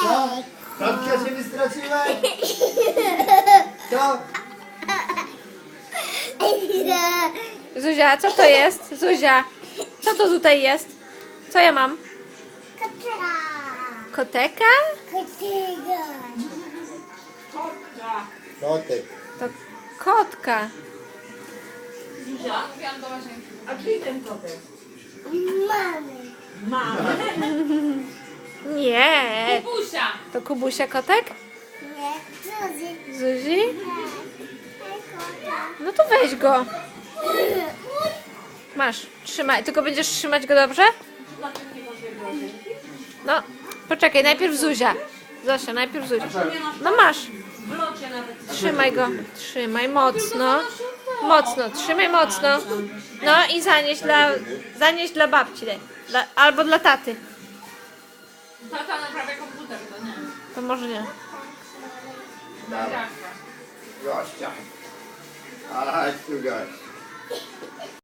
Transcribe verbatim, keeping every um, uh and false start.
Babcia się wystraszyła? To? Zuzia, co to jest? Zuzia, co to tutaj jest? Co ja mam? Koteka? Kotek. To kotka. Zuzia? A czyj ten kotek? Mamy. Mamy. Nie. Kubusia. To Kubusia kotek? Nie, Zuzi. Zuzi? No to weź go. Masz, trzymaj. Tylko będziesz trzymać go dobrze? No, poczekaj, najpierw Zuzia. Zosia, najpierw Zuzia. No masz. W locie nawet. Trzymaj go. Trzymaj mocno. Mocno, trzymaj mocno. No i zanieś dla, zanieś dla babci. daj. Dla, albo dla taty. Tata naprawia komputer, to nie. To może nie. Dawaj. Gościa. Chodź tu gość.